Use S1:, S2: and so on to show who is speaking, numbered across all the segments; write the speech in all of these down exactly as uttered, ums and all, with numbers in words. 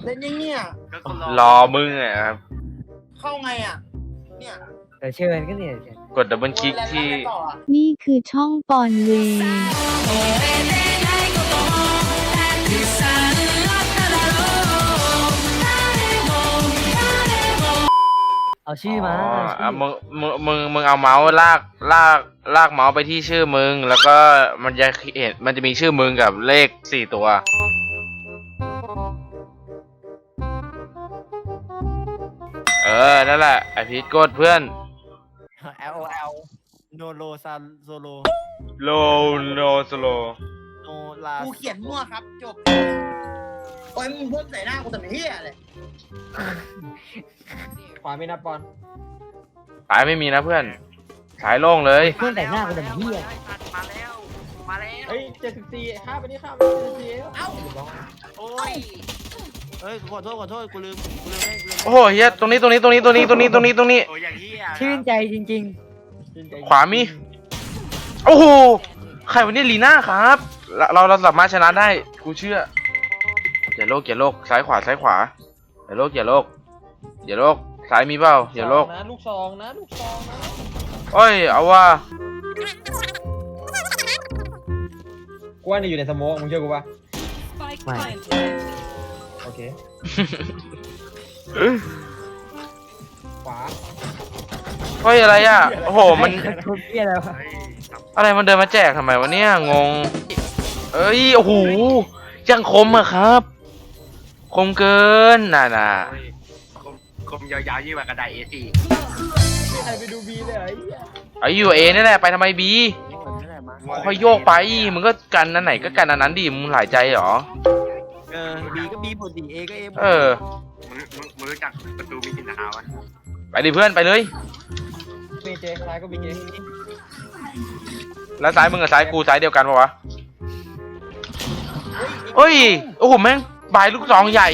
S1: เล่นยังเนี่ย
S2: รอมึงอ่ะครับ
S1: เข้าไงอ่ะเนี่ย
S3: แต่เชิญก็เนี่ย
S2: กดดับเบิลคลิกที่
S1: แล้วไงต่ออ่ะ
S4: นี่คือช่องปอนเวย์
S3: เอาชื่อมา
S2: อ๋อ
S3: เอาชื่
S2: อ่ะ
S3: อ
S2: มึงมึงมึงมึงเอาเมาส์ลากลากลากเมาส์ไปที่ชื่อมึง แล้วก็มันจะเห็นมันจะมีชื่อมึงกับเลขสี่ตัว เออ นั่นแหละ ไอพีทกดเพื่อน
S3: แอลแอลโนโลซาโซโล
S2: โลโนสโล
S3: โนลา
S1: กูเขียนมั่วครับจบโอ้ยมึงพูดใส่หน้ากูแต่ไม่เฮียเลย
S3: ขวาไม่นับปอน
S2: สายไม่มีนะเพื่อน สายโล่งเลย
S3: เพื่อนแต่งหน้ากูแต่เหี้ย
S5: มาแล้ว มาแล้ว
S3: เฮ้ยเจ็ดสิบสี่ข้าไปนี่ข้าไปเจ็ดสิบสี่เอ้า
S5: โอ้ย
S3: เฮ้ยขอโทษขอโทษกูลืมกูลืมให้กูลืม
S2: โอ้โหเฮียตรงนี้ตรงนี้ตรงนี้ตรงนี้ตรงนี้ตรงนี้ตรงนี้
S5: โอ้ยอย่างนี้อ่ะ
S3: ชื่นใจจริงๆ
S2: ขวามี โอ้โห ใครวันนี้ลีน่าครับ เราเราเราสามารถชนะได้ กูเชื่ออย่าโลกอย่าโลกซ้ายขวาซ้ายขวาอย่าโลกอย่าโลกอย่าโลกซ้ายมีเปล่าอย่าโลก
S3: นะลูกซองนะลูกซองนะ
S2: โอ้ยเอาว่า
S6: กูว่าเนี่ยอยู่ในสโมกมึงเชื่อกูปะ
S3: ไม่
S6: โอเคขวา
S2: เฮ้ยอะไรอ่ะโอ้โหมัน
S3: ทุกเหี้ยแล้วะ
S5: เฮ้ยครับ
S2: อะไรมันเดินมาแจกทำไมวะเนี่ยงงเอ้ยโอ้โหยังคมอะครับ คมเกินน่ะน่ะ
S5: เฮ้ยคมคมยาวๆยิ่งกว่ากระดาษ เอ สี่
S6: ไม่ใครไปดูบีเลยเหรอไอ้เหี้ย
S2: ไอ้ยูเอนี่แหละไปทำไมบีค่อยโยกไปมึงก็กันอันไหนก็กันอันนั้นดิมึงหลายใจเหรอ
S3: เออบีก็บีหมดดิเอก็เอหมด
S2: เออ
S5: มึงมึงมึงรู้จักประตูมีกินเท้าวะ
S2: ไปดิเพื่อนไปเลย
S6: เมเจซ้ายก็บีเจ
S2: แล้วซ้ายมึงกับซ้ายกูซ้ายเดียวกันปะวะเฮ้ยโอ้โหแม่งบายลูกซองใหญ่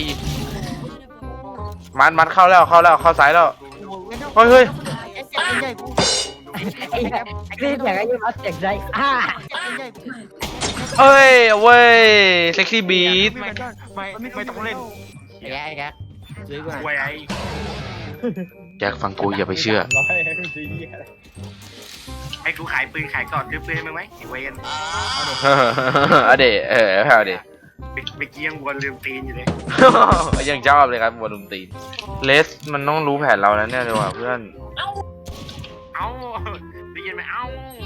S2: มันมันเข้าแล้วเข้าแล้วเข้าซ้ายแล้วเฮ้ยเฮ้ย
S3: ใหญ่กูไอ้ไอ้อยากให้ยืมเอาเจ็กใจอ่า
S2: เอ้ยเว้ยเซ็กซี่บีท
S5: ไม่ไม่ไม่ต้องเล่น
S3: ไอ้แกไอ้แกซื้อกูหน่อย
S5: ไว้ไอ้
S2: แจ็คฟังกูอย่าไปเชื่อ
S6: ร้อยให้มึงซื้อเหี้ยอะไร
S5: ให้กูขายปืนขายก่อนซื้อปืนให้มึงไหมไอ้เวน
S2: เอาเดเออเอาเด
S5: ไปไปเกี้ยงวนลืมตีนอยู่เลย
S2: ยังชอบเลยครับบอลลูนตีนเลสมันต้องรู้แผนเราแล้วเนี่ยเลยว่ะเพื่อน
S5: เอ้าได้ยินไหมเอ้า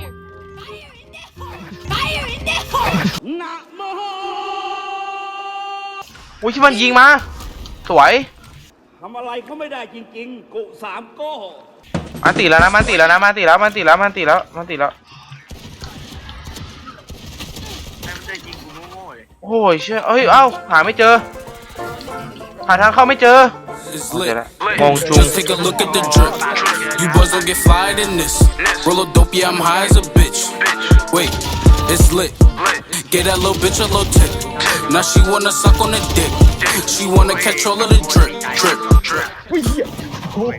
S2: อุ้ยที่มันยิงมา สวย
S7: ทำอะไรเขาไม่ได้จริงๆ กุสามโก้
S2: มันติดแล้วนะมันติดแล้วนะมันติดแล้วมันติดแล้วมันติดแล้วมันติดแล้ว
S5: ให้มันจะยิงกูโง่ๆเลย
S2: โอ้ยเชื่อเอ้ยเอ้าหาไม่เจอหาทางเข้าไม่เจอ
S8: It's
S2: เจอ
S8: lit.
S2: แล้วงงจุง
S8: Just take a look at the drip. You boys don't get fired in this. Roll a dope, yeah, I'm high as a bitch. Wait, it's lit. Get that little bitch a little tip. Now she wanna suck on the dick. She wanna catch all of the drip, drip, drip.
S6: อุ้ยเหี้ยโอ้โห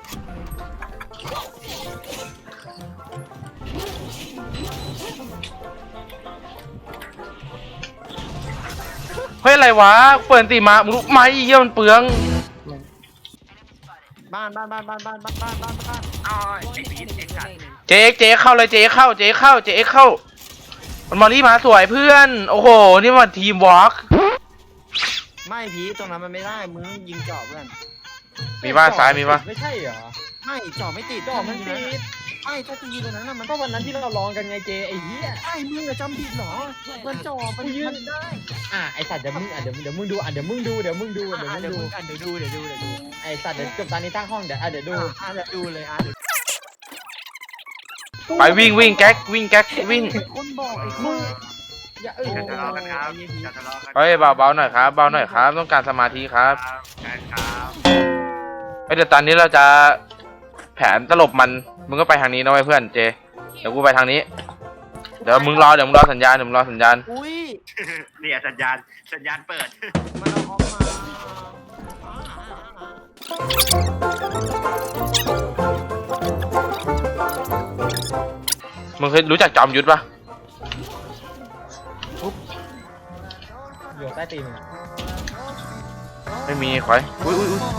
S2: เฮ้ยอะไรวะเปิดตีมามึงรู้ไหมเยี่ยมันเปลือง
S3: บ้านบ้านบ้านบ้านบ้านบ้านบ้านบ้านบ้าน
S5: อ้าวไอ้พีทไอ้สัตว์
S2: เจ๊เจ๊เข้าเลยเจ๊เข้าเจ๊เข้าเจ๊เข้ามันมารีมาสวยเพื่อนโอ้โหนี่มันทีมวอล์ก
S3: ไม่ผีตรงนั้นมันไม่ได้มึงยิงเจาะเพื่อน
S2: มีบ้านซ้ายมีปะ
S6: ไม่ใช่เหรอ
S3: ไม่เจาะไม่ติด
S6: จ่อมันติด
S3: ไม่ถ้าจะยิงตรงนั้นน่ะมัน
S6: ก็วันนั้นที่เราลองกันไงเจไอ้เหี้ย
S3: ไอ้มึงอะจำผิดเหรอมันเจาะมัน
S6: กูยืน
S3: มันได้
S6: อ่ะไอสัตว์เดี๋ยวมึงอ่ะเดี๋ยวเดี๋ยวมึงดูอ่ะเดี๋ยวมึงดูเดี๋ยวมึงดู
S3: อ่ะ
S6: เดี๋ยวมึง
S3: เดี๋ยว
S6: ดู
S3: มึงอ่ะเดี๋ยวดูเดี๋ยวดูเดี๋ยวดู
S6: ไอสัตว์เดี๋ยวจบตอนนี้ตั้งห้องเดี๋ยวอ่ะเดี๋ยวดู
S3: อ่ะเดี๋ยวดูเลยอ่ะเดี๋ยว
S2: ไปวิ่งวิ่งแก๊กวิ่งแก๊กวิ่ง
S3: คนบอกไอ้คน
S6: อย่าเออ
S5: จะทะเลาะกันครับจะทะเลาะกัน
S2: เฮ้ยเบาเบาหน่อยครับเบาหน่อยครับต้องการสมาธิครับ
S5: ครับครับ
S2: เฮ้ยเดี๋ยวตอนนี้เราจะแผนตลบมันมึงก็ไปทางนี้นะไว้เพื่อนเจเดี๋ยวกูไปทางนี้เดี๋ยวมึงรอเดี๋ยวมึงรอสัญญาณเดี๋ยวมึงรอสัญญาณ
S3: อุ้ย
S5: เนี่ยสัญญาณสัญญาณเปิด
S3: มันเอาออกมา
S2: มึงเคยรู้จักจอมยุทธปะ
S6: อยู่ใต้ตีนมึงอะ
S2: ไม่มีควายอุ้ยอุ้ยอุ้ย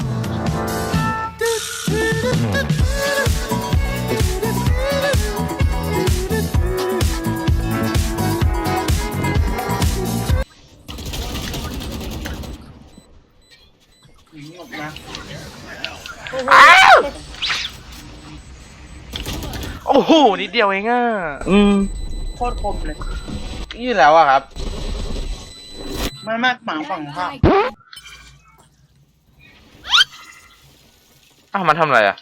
S1: หนีออกมา
S2: อ้าวโอ้โหนิดเดียวเองอ่ะอืม
S1: โคตรคมเลย
S2: ยี่แล้วอะครับ
S1: ไม่มากหมาฝั่งข้าง
S2: อ้าวมันทำอะไรอะ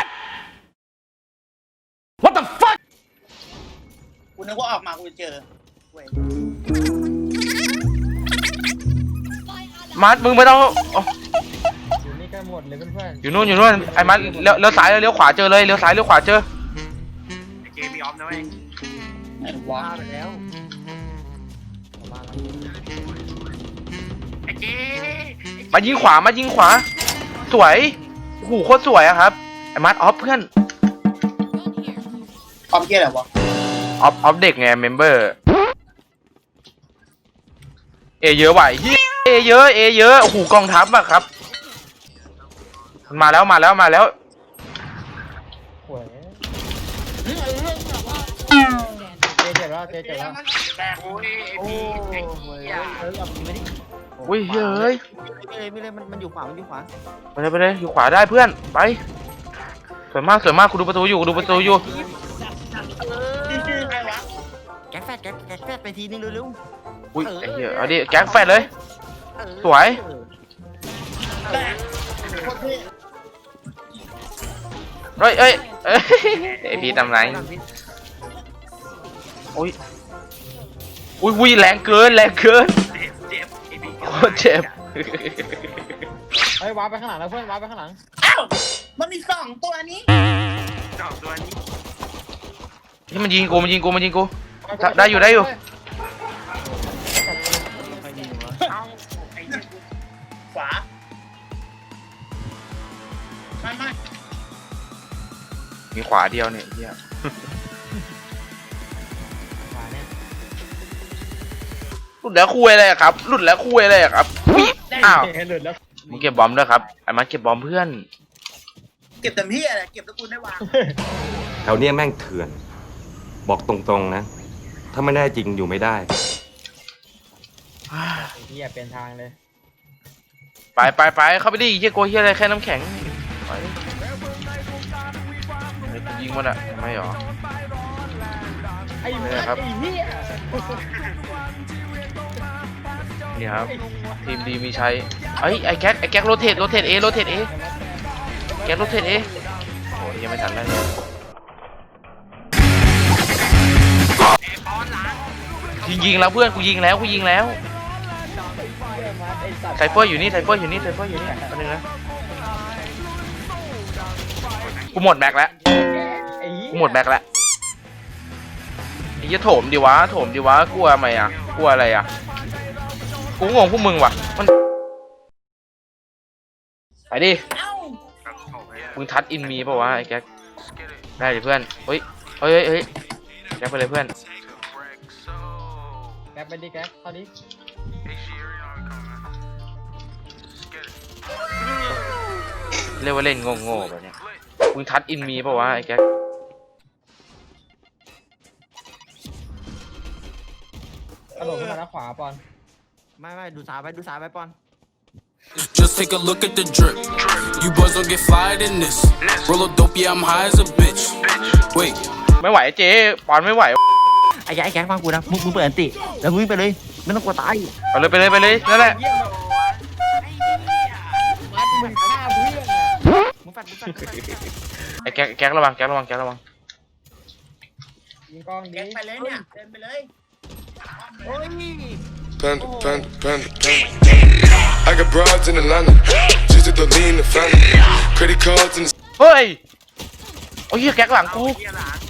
S1: กูนึกว่าออกมากูจะเจอเว้ย
S2: มัดมึงไม่ต้องอ๋อ
S6: อยู่นี่กันหมดเลยเพื่อน
S2: อยู่นู่นอยู่นู่นไอ้มัดเลี้ยวเลี้ยวซ้ายเลี้ยวขวาเจอเลยเลี้ยวซ้ายเลี้ยวขวาเจอ
S5: ไอ้เจมีออฟนะเว้ย
S1: ไหนวะ
S3: ว่าไปแล้ว
S5: ไอ้เจ
S2: มายิงขวามายิงขวา สวยโอ้โหโคตรสวยอะครับไอ้มัดออฟเพื่อน
S1: ความเกลียดอะไรวะ
S2: ออฟออฟเด็กไงเมมเบอร์เอเยอะไหวเหี้ยเอเยอะเอเยอะโอ้โหกองทัพอะครับมันมาแล้วมาแล้วมาแล้ว
S6: ๆหวยเจ๊เจ็บแล้วเจ๊เจ็บแล้ว
S5: แต่โอ้ยไอ้พี่ไอ้เหี้ย
S3: เออเอาไปไม่ได้
S2: อุ้ยเฮ้ย
S3: ไม่เลยไม่เลยมันมันอยู่ขวามันอยู่ขวา
S2: ไปเลยไปเลยอยู่ขวาได้เพื่อนไปสวยมากสวยมากกูดูประตูอยู่กูดูประตูอยู่
S1: ชื่อชื่อใครวะ
S3: แก๊กแฟดแก๊กแก๊กแฟดไปทีนึงเร็ว
S2: อุ้ยไอ้เหี้ยเอาดิแก๊งแฟดเลย
S3: ๆเออ
S2: สวย
S1: แต่โคตรเท่
S2: เฮ้ยเอ้ยเอ้ยไอพี่ทำไรอุ้ยอุ้ยอุ้ยแรงเกินแรงเกิน
S5: เจ็บเจ็บไอ้พี่
S2: โคตรเจ็บ
S6: เฮ้ยวาร์ปไปข้างหลังแล้วเพื่อนวาร์ปไปข้างหลัง
S1: อ้าวมันมีสองตัวนี้
S5: สองตัวนี้
S2: นี่มันยิงกูมันยิงกูมันยิงกู ได้อยู่ได้อยู่
S5: เอ้าไอ้เหี้ย
S1: ขวาไม่ไม่
S2: มีขวาเดียวเนี่ยไอ้เหี้ย
S6: ขวาเนี่ย
S2: หลุดแล้วคุยเลยอะครับหลุดแล้วคุยเลยอะครับอุ๊ยอ้าว
S6: หลุดแล้ว
S2: มึงเก็บบอมด้วยครับไอ้มันเก็บบอมเพื่อน
S1: เก็บเต็มที่อะไรเก็บแล้วกูได้วาง
S9: แถวเนี้ยแม่งเถื่อน บอกตรงๆนะ ถ้าไม่ได้จริงอยู่ไม่ได้
S6: ไอ้เหี้ยเป็นทางเลย
S2: ไปไปไปเข้าไปดิเฮียโกลัวเฮียอะไรแค่น้ำแข็งไปดิเฮ้ยกูยิงมันอะไม่หรอ
S6: ไอ้
S2: ไม่
S6: เหี้
S2: ได้
S6: ย
S2: ครับ
S6: ไอ้เหี้ย
S2: นี่ครับทีมดีมีชัยเอ้ยไอ้แก๊กไอ้แก๊กโรเทตโรเทตเอโรเทตเอแก๊กโรเทตเอโอ้ยยังไม่ทันได้เลยยิงยิงแล้วเพื่อนกูยิงแล้วกูยิงแล้วไซเฟอร์อยู่นี่ไซเฟอร์อยู่นี่ไซเฟอร์อยู่นี่อันนึงนะกูหมดแม็กแล้ว
S6: ไอ้เหี้ย
S2: กูหมดแม็กแล้วไอ้เหี้ยโถมดิวะโถมดิวะกลัวไหมอ่ะกลัวอะไรอ่ะกูงงพวกมึงว่ะมันไปดิ
S1: เอ้า
S2: มึงทัดอินมีป่าวะไอ้แก๊กได้ดิเพื่อนเฮ้ยเฮ้ยเฮ้ยแก๊กไปเลยเพื่อน
S6: แก๊ปไปดิแก๊ปเข้าดิ
S2: เรียกว่าเล่นโง่ๆแบบเนี้ยมึงทัดอินมีป่าวะไอ้แก๊ก
S6: กระโดดขึ้นมาแล้วขวาปอน
S3: ไม่ไม่ดูซ้ายไปดูซ้ายไปปอน
S8: Just take a look at the drip. You boys don't get fired in this. Roll a dope, yeah, I'm high as a bitch. Wait.
S2: ไม่ไหวเจ๊ปอนไม่ไหว
S3: ไอ้แก๊กไอ้แก๊กฟังกูนะมึงมึงเปิดอันติแล้วมึงวิ่งไปเลยไม่ต้องกลัวตาย
S2: เอาเลยไปเลยไปเลยนั่นแหละ
S6: มัดมึงฆ่าเพื่อนอะ
S3: มึงฟัดมึงฟัดมึงฟัด
S2: ไอ้แก๊กแก๊กระวังแก๊กระวังแก๊กระวัง
S6: ยิงกล้องดิ
S1: แก๊งไปเลยเนี่ยเดินไปเลย
S3: โอ้ย
S10: Panda, panda, panda, panda. I got broads in Atlanta. Just to the lean, the family. Credit cards in the
S2: เฮ้ยโอ้ยเหี้ยแก๊กหลังกู
S5: เหี้ยหลัง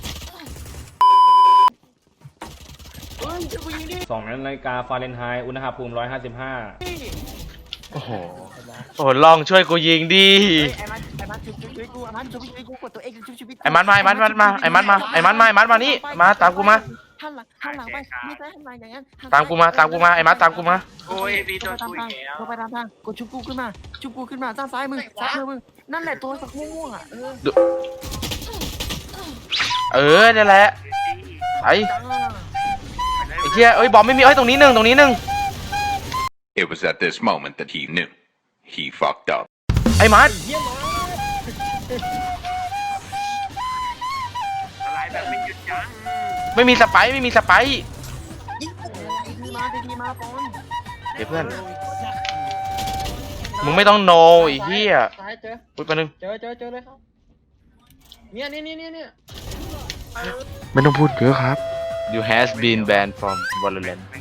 S11: สองนาฬิกาฟาเรนไฮต์อุณหภูมิร้อยห้าสิบห้า
S2: โอ้โหโอ้โหลองช่วยกูยิงดิ
S3: ไอ้มันไอ้มันชุบชุบชีวิตกูไอ้มันชุบชีวิตกูกดตัวเองชุบชีวิต
S2: ไอ้มันมาไอ้มันมาไอ้มันมาไอ้มันมาไอ้มันมาไอ้มันมานี่มาตามกูมา
S3: หันหลังหันหลังงไปไม่ใช่ทำไมอย่างนั้น
S2: ตามกูมาตามกูมาไอ้มาตามกูมา
S5: โอ้ยพี่โดนคุยแล้ว
S3: ลงไปตามทางกดชุบกูขึ้นมาชุบกูขึ้นมาด้านซ้ายมือซ้ายมือมึงนั่นแหละตัวสักม่วงอ่ะเออ
S2: เออนั่นแหละไอ้ไอ้เหี้ยเอ้ยบอมไม่มีเอ้ยตรงนี้หนึ่งตรงนี้หนึ่ง
S10: It was at this moment that he knew he fucked up.
S2: ไอ้มาร์ท
S5: อะไรแบบไม่หยุดยั้ง
S2: ไม่มีสไปร์ไม่มีสไปร์
S3: ดีมาดีมาปอน
S2: เดี๋ยวเพื่อนมึงไม่ต้องโนไอ้เหี้ย
S6: ซ้ายเจอ
S2: พูดไปบนึง
S6: เจอเจอเจอเลยครับเนี่ยนี่นี่นี่เนี่ย
S2: ไม่ต้องพูดเยอะครับ You has been banned from Valorant